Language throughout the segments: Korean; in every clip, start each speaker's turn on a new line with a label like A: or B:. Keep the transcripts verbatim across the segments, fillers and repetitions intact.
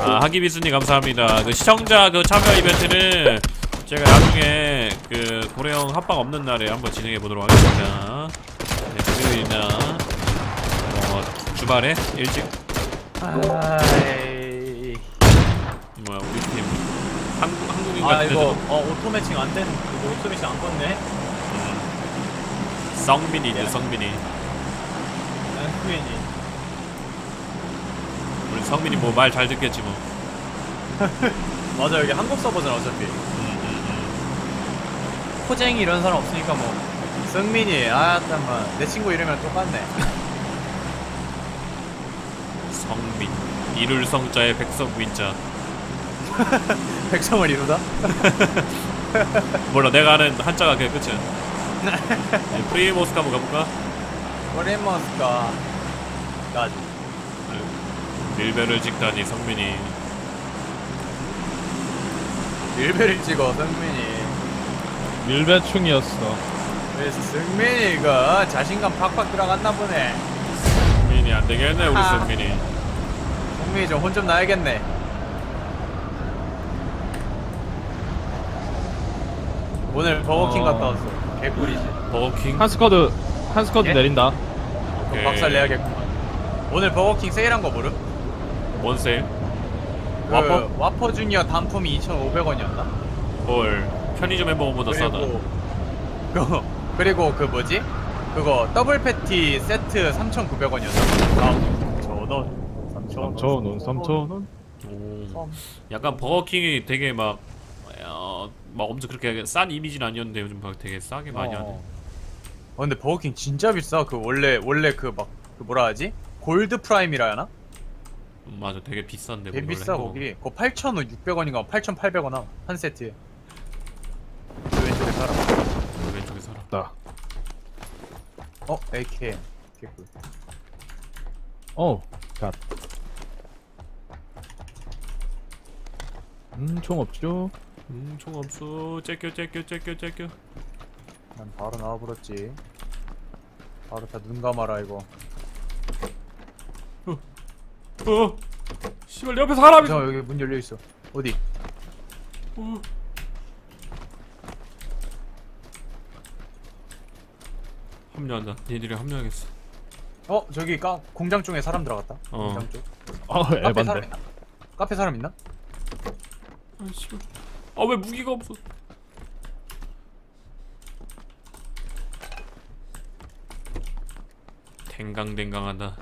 A: 아, 하기비스님 감사합니다. 그 시청자 그 참여 이벤트는 제가 나중에 그 고래형 합방 없는 날에 한번 진행해 보도록 하겠습니다. 네, 금요일이나 어, 주말에 일찍.
B: 아이...
A: 뭐야 우리 팀 한국 한국인
B: 아
A: 같은데.
B: 이거 어 오토 매칭 안 되는 이거 오토 매칭 안 껐네.
A: 음. 성민이네 성민이.
B: 성민이.
A: 우리 성민이 뭐 말 잘 듣겠지 뭐.
B: 맞아 여기 한국 서버잖아 어차피.
A: 음, 음, 음.
B: 코쟁이 이런 사람 없으니까 뭐. 성민이 아 잠깐만 내 친구 이름이랑 똑같네.
A: 성민 이룰 성자의 백성민자.
B: 백성을 이루다?
A: 몰라 내가 아는 한자가 그게 끝이야. 네, 프리모스크 한번 가볼까?
B: 프리모스카 까지.
A: 밀배를 찍다니 성민이.
B: 밀배를 찍어 성민이.
C: 밀배충이었어.
B: 그래서 성민이가 자신감 팍팍 들어갔나 보네.
A: 성민이 안되겠네 우리
B: 아.
A: 성민이.
B: 성민이 좀 혼 좀 나야겠네. 오늘 버거킹
C: 어...
B: 갔다 왔어. 개꿀이지.
A: 버거킹?
C: 한 스쿼드 한 스쿼드
B: 예?
C: 내린다.
A: 오케이.
B: 박살 내야겠구만. 오늘 버거킹 세일한 거 모름?
A: 뭔 세일?
B: 그
A: 와퍼?
B: 와퍼 주니어 단품이 이천오백 원이었나?
A: 헐 편의점 햄버거보다 싸다.
B: 그리고 그리고 그 뭐지? 그거 더블 패티 세트 삼천구백 원이었나? 삼천 원.
C: 삼천 원, 삼천 원.
A: 오. 약간 버거킹이 되게 막 어, 막 엄청 그렇게 싼 이미지는 아니었는데 요즘 막 되게 싸게 많이 하네.
B: 어, 근데 버거킹 진짜 비싸. 그 원래 원래 그 막 그 뭐라 하지? 골드 프라임이라 하나?
A: 음, 맞아 되게 비싼데.
B: 되게
A: 거기
B: 비싸
A: 원래
B: 거기. 그거 팔천육백 원인가 팔천팔백 원 한 세트에. 그 왼쪽에 살아.
A: 햄버거. 왼쪽에 살아.
C: 나.
B: 어? 에이케이엠 개꿀.
C: 어. 갓. 음, 총 없죠?
A: 음, 총 없어. 째껴 째껴 째껴 째껴.
B: 난 바로 나와버렸지. 바로 다 눈 감아라 이거.
A: 어. 씨발 내 옆에 사람이.
B: 저 여기 문 열려 있어. 어디?
A: 어. 합류한다. 얘들이 합류하겠어.
B: 어 저기 까 공장 쪽에 사람 들어갔다.
A: 어.
B: 공장 쪽.
C: 어,
B: 카페 사람
C: 에반데.
B: 있나? 카페 사람 있나?
A: 아 씨발. 아 왜 무기가 없어? 댕강댕강하다.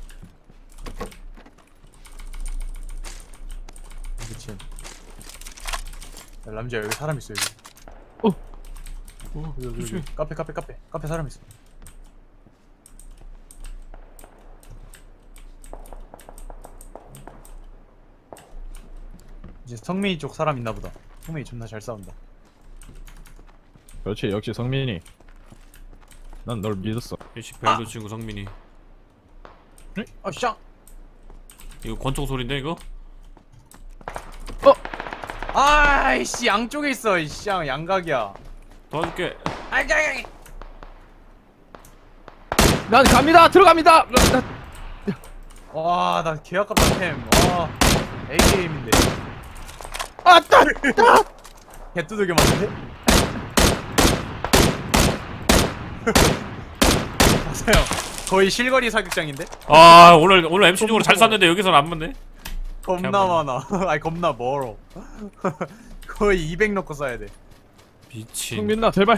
B: 그치. 야, 남자 여기 사람 있어 여기.
C: 어.
A: 어,
B: 여기, 여기,
A: 조심해.
B: 여기. 카페 카페 카페 카페 사람 있어. 이제 성민이 쪽 사람 있나 보다. 성민이 존나 잘 싸운다.
C: 그렇지, 역시 성민이. 난 널 믿었어.
A: 일식 벨도 친구 성민이.
B: 아 샹.
A: 이거 권총 소린데 이거?
B: 아이씨 양쪽에 있어 이씨 양각이야.
A: 도와줄게.
B: 아이씨.
C: 난 갑니다. 들어갑니다.
B: 와나 개아깝다 템. 와 에이케이엠인데.
C: 아, 따, 따.
B: 개뚜들겨 맞는데? 맞아요. 거의 실거리 사격장인데?
A: 아 오늘 오늘 엠씨 중으로 잘 쐈는데 여기서는 안 맞네.
B: 겁나 많아. 아니 겁나 멀어. 거의 이백 넣고 쏴야 돼.
A: 미친.
C: 성민아, 제발.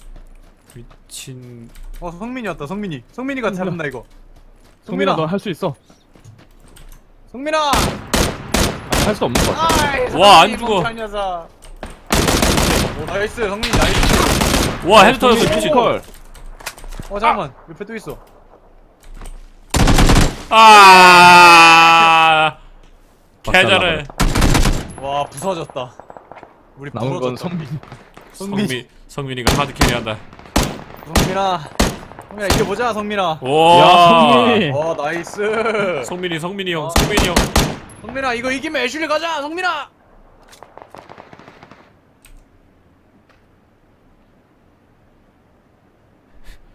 A: 미친.
B: 어 성민이 왔다. 성민이. 성민이가 잘한다 이거.
C: 성민아, 너 할 수 있어.
B: 성민아.
C: 할 수 없는 거 같아.
B: 아이,
A: 와, 안
B: 성민이
A: 죽어.
B: 멍청한 녀석. 오 나이스 성민이 나이스.
A: 와 헤드 터졌어
C: 성민이
A: 미친.
C: 컬.
B: 어 잠깐만 옆에 또 있어.
A: 아. 개잘해.
B: 와 부서졌다. 우리
C: 남은 건
B: 부러졌다.
C: 성민이.
A: 성민 성민이가 하드 캐리한다.
B: 성민아. 성민아 이겨보자 성민아.
A: 와.
C: 야, 성민이.
B: 와 나이스.
A: 성민이 성민이 형
B: 어.
A: 성민이 형.
B: 성민아 이거 이기면 애슐리 가자 성민아.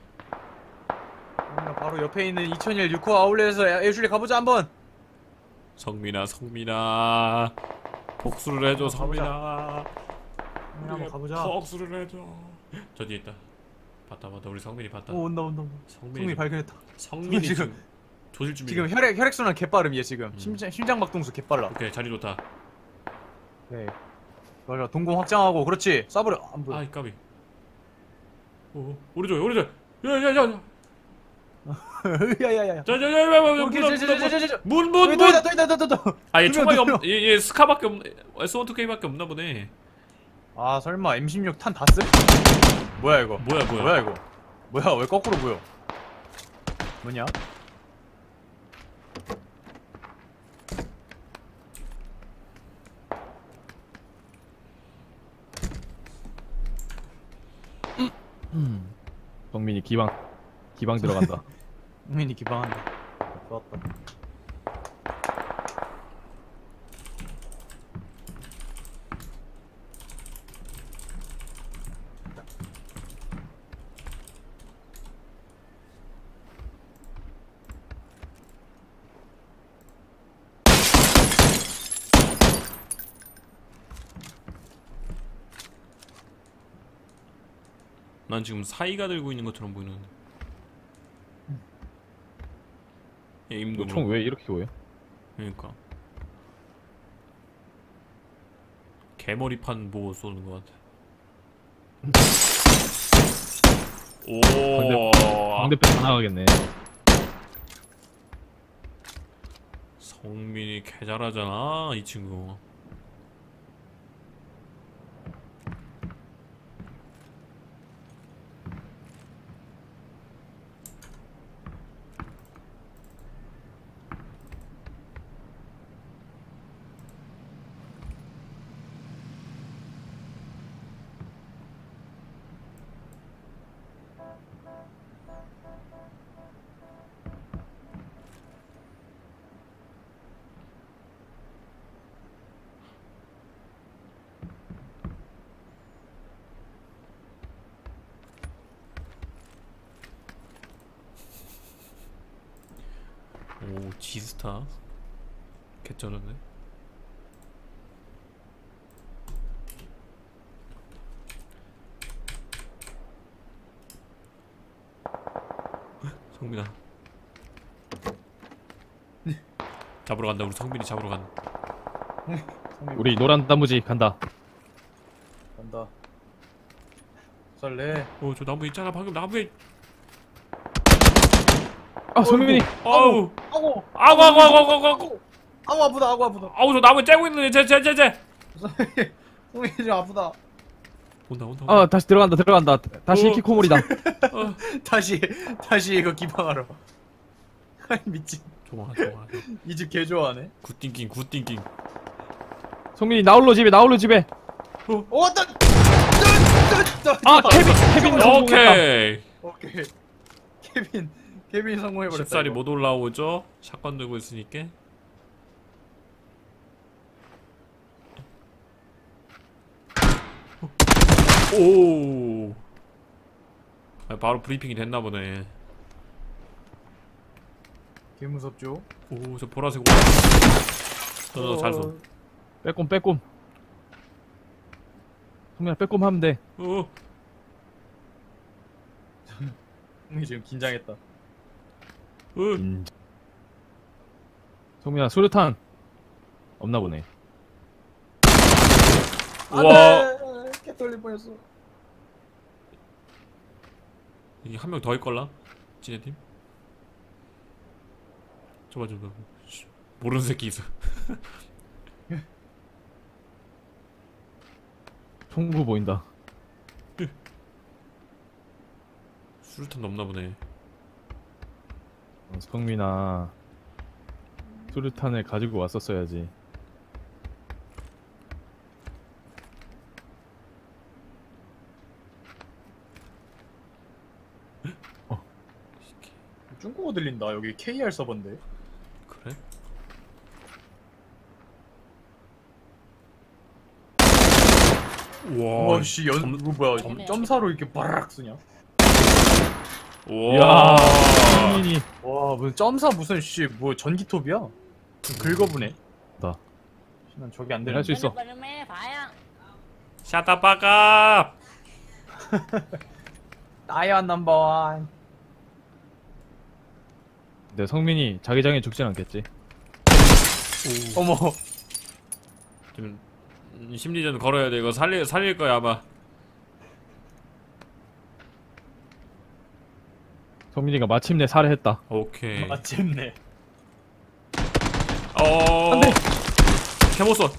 B: 성민아 바로 옆에 있는 이천일 유코 아울렛에서 애슐리 가보자 한번.
A: 성민아 성민아 복수를 해줘 성민아.
B: 성민아, 한번 가보자.
A: 복수를 해줘. 저 뒤에 있다. 봤다 봤다 우리 성민이 봤다.
B: 오 온다 온다 온다.
A: 성민이
B: 성민이 발견했다.
A: 성민이
B: 지금-
A: 지금 조질 준비.
B: 지금 혈액 혈액순환 개빠름 얘 지금.
A: 음.
B: 심장 심장 박동수 개빨라.
A: 오케이 자리 좋다.
B: 네. 맞아 동공 확장하고 그렇지. 쏴버려. 안 보여.
A: 아이 까비. 오 오른쪽 오른쪽. 야야야.
B: 야야야야.
A: 자자자자문
B: 오케이 저저저저저.
A: 문
B: 또
A: 문.
B: 있다 또 있다 또 있다 또.
A: 아얘
B: 두 명,
A: 총알이
B: 두
A: 없. 얘, 얘 스카밖에 없. 에스 원 투 케이밖에 없나 보네.
B: 아 설마 엠 십육 탄 다 쓰? 뭐야 이거?
A: 뭐야 뭐야.
B: 뭐야 이거? 뭐야 왜 거꾸로 보여? 뭐냐?
C: 성민이 기방 기방 들어간다.
B: 국민이 기방한다. 좋았다.
A: 난 지금 사이가 들고 있는 것처럼 보이는데. 얘 임도.
C: 총 왜 이렇게 보여?
A: 그러니까. 개머리판 보고 쏘는 것 같아. 오.
C: 상대편 다 나가겠네.
A: 성민이 개 잘하잖아 이 친구. 오 지스타 개쩌는데. 성민아 잡으러 간다. 우리 성민이 잡으러 간다.
C: 우리 노란 단무지 간다.
B: 간다. 설레.
A: 어저 나무 있잖아 방금 나무에.
C: 아 성민이.
A: 아우
B: 아고.
A: 아우 아우 아우 아우 아우 아우
B: 아고 아프다. 아고 아프다.
A: 아우 저 나무에 째고 있는데 쟤쟤쟤쟤
B: 성민이 좀 아프다.
A: 온다 온다.
C: 아 다시 들어간다 들어간다. 다시
A: 어.
C: 키코몰이다.
A: 어.
B: 다시 다시 이거 기방하러. 아이 미친.
A: 좋아 좋아.
B: 이 집 개 좋아하네.
A: 굿띵킹 굿띵킹.
C: 성민이 나홀로 집에 나홀로 집에.
B: 오 왔다.
C: 아 케빈 케빈 성공했다.
A: 오케이.
B: 오케이. 케빈 케빈 성공해버렸다.
A: 십살이
B: 이거.
A: 못 올라오죠? 샷건 들고 있으니까. 오. 아, 바로 브리핑이 됐나 보네.
B: 개 무섭죠?
A: 오, 저 보라색 옷. 어, 잘 쏜.
C: 빼꼼 빼꼼. 성민아 빼꼼 하면 돼.
A: 어.
B: 형이 지금 긴장했다.
A: 어.
C: 인... 성민아 수류탄 없나 보네.
A: 와.
B: 개 떨릴 뻔했어.
A: 이게 한 명 더 있걸라? 지네 팀? 저봐 저봐. 모르는 새끼 있어.
C: 총구 보인다.
A: 수류탄 넘나 보네.
C: 어, 성민아 수류탄을 가지고 왔었어야지.
B: 중국어 들린다. 여기 케이알 서버인데.
A: 그래? 와.
B: 와씨 연 이거 뭐야?
A: 점-
B: 점사로 이렇게 바락 쓰냐?
A: 와.
C: 성민이
B: 와 무슨 점사 무슨 씨 뭐 전기톱이야? 긁어보네.
C: 나.
B: 난 저기 안
C: 할
B: 되는.
C: 수 있어.
A: 샤다 빠갑.
B: 다이언 넘버원.
C: 근데 성민이 자기장에 죽진 않겠지.
B: 어머.
A: 지금 음, 심리전 걸어야 돼. 이거 살릴 살릴 거야 아마.
C: 성민이가 마침내 살해했다.
A: 오케이.
B: 마침내.
A: 어.
C: 안 돼.
A: 개못써.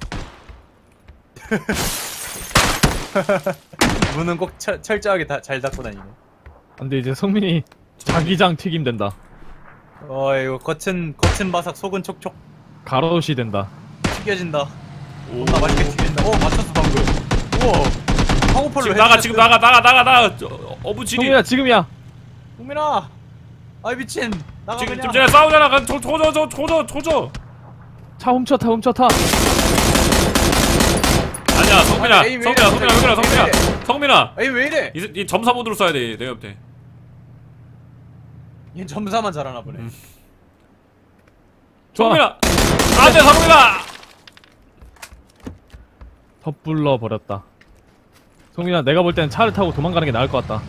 B: 문은 꼭 철, 철저하게 다, 잘 닫고 다니네.
C: 근데 이제 성민이 자기장 튀김 된다.
B: 어 이거 겉은 겉은 바삭 속은 촉촉
C: 가로시 된다.
B: 튀겨진다.
A: 오.
B: 나 맛있게 튀긴다. 어 맞췄어 방금. 우와. 황호폴로
A: 지금 나가 지금 나가 나가 나가 나가. 어부지리.
C: 성민아 지금이야.
B: 국민아. 아이 미친. 나가
A: 지금
B: 그냥.
A: 지금 쟤네 싸우잖아. 가 조, 조져 조, 조져 조져.
C: 차 훔쳐 타 훔쳐 타.
A: 아니야 성민아
B: 아니, 에이, 왜
A: 성민아
B: 이래,
A: 성민아 성민아
B: 갑자기.
A: 성민아
B: 왜
A: 성민아.
B: 에이 왜 이래?
A: 이, 이 점사 모드로 써야 돼 내가 볼 때.
B: 얘 점사만 잘하나 보네.
A: 음.
C: 좋아.
A: 성민아. 안돼 성민아.
C: 섣불러 버렸다. 성민아 내가 볼 때는 차를 타고 도망가는 게 나을 것 같다.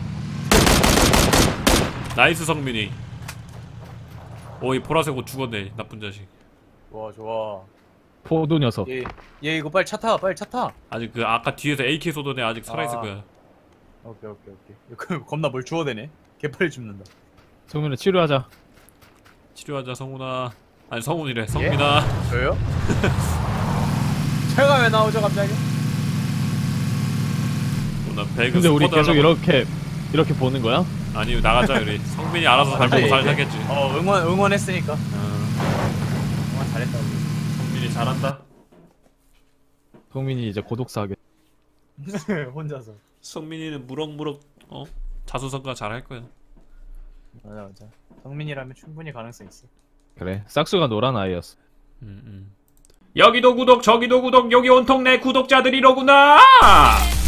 A: 나이스 성민이. 오 이 보라색 옷 죽었네 나쁜 자식.
B: 좋아 좋아.
C: 포도 녀석.
B: 얘, 얘 이거 빨리 차 타. 빨리 차 타.
A: 아직 그 아까 뒤에서 에이케이 쏘던 애 아직 살아있을
B: 아.
A: 거야.
B: 오케이 오케이 오케이. 이거 겁나 뭘 주워대네. 개빨리 죽는다.
C: 성민아 치료하자.
A: 치료하자 성훈아. 아니 성훈이래 성민아.
B: 저요? 제가 왜 나오죠 갑자기?
A: 오늘 배그
C: 근데 우리
A: 스쿼드
C: 계속
A: 하려고-
C: 이렇게 이렇게 보는 거야?
A: 아니 나가자 우리. 성민이 알아서 잘
B: 갑자기
A: 보고 잘
B: 이제-
A: 살겠지.
B: 어 응원 응원했으니까.
A: 어,
B: 응원 잘했다고.
A: 성민이 잘한다.
C: 성민이 이제 고독사 하게.
B: 혼자서.
A: 성민이는 무럭무럭 어 자수성가 잘 할 거야.
B: 맞아 맞아. 성민이라면 충분히 가능성 있어.
C: 그래. 싹수가 노란 아이였어.
A: 음, 음. 여기도 구독 저기도 구독 여기 온통 내 구독자들이로구나.